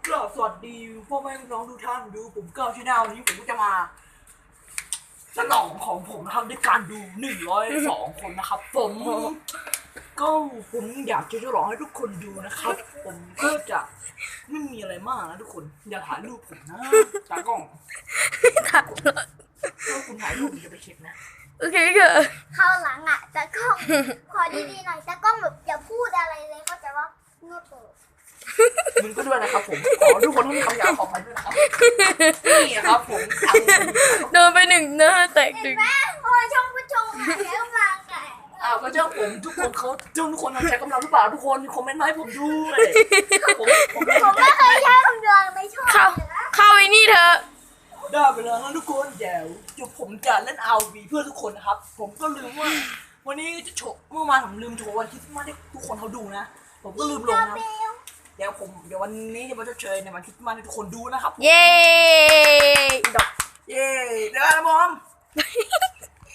ก็สวัสดีพ่อแม่พี่น้องทุกท่านดูผมก้าวชาแนลนี้ผมก็จะมาฉลองของผมนะครับด้วยการดู102 คนนะครับผมก็ผมอยากจะฉลองให้ทุกคนดูนะครับผมก็จะไม่มีอะไรมากนะทุกคนอย่าถ่ายรูปผมนะตากล้องถ้าคุณถ่ายรูปผมจะไปเช็คนะโอเคค่ะคราวหลังอ่ะตากล้องขอดีๆหน่อยตากล้องแบบอย่าพูดอะไรเลยเข้าใจว่าเงียบเลยมึงก็ด้วยนะครับผมขอทุกคนที่มีคำหยาบขอไปด้วยนะครับนี่ครับผมโดนไปหนึ่งหน้าแตกหนึ่งแม่เพราะว่าช่องผู้ชมอ่ะใช้กำลังไงก็เจ้าผมทุกคนเขาทุกคนใช้กำลังหรือเปล่าทุกคนคอมเมนต์มาให้ผมด้วยผมไม่ผมไม่เคยใช้กำลังในช่องเข้าเลยนะเข้าไอ้นี่เถอะได้ไปแล้วนะทุกคนเดี๋ยวผมจะเล่น RV เพื่อทุกคนนะครับผมก็ลืมว่าวันนี้จะโชว์เมื่อวานผมลืมโชว์วันคริสต์มาสให้ทุกคนเขาดูนะผมก็ลืมลงนะ เดี๋ยววันนี้จะมาเชิญในวันคริสต์มาสให้ทุกคนดูนะครับเย้เย้เดี๋ยวนะบอม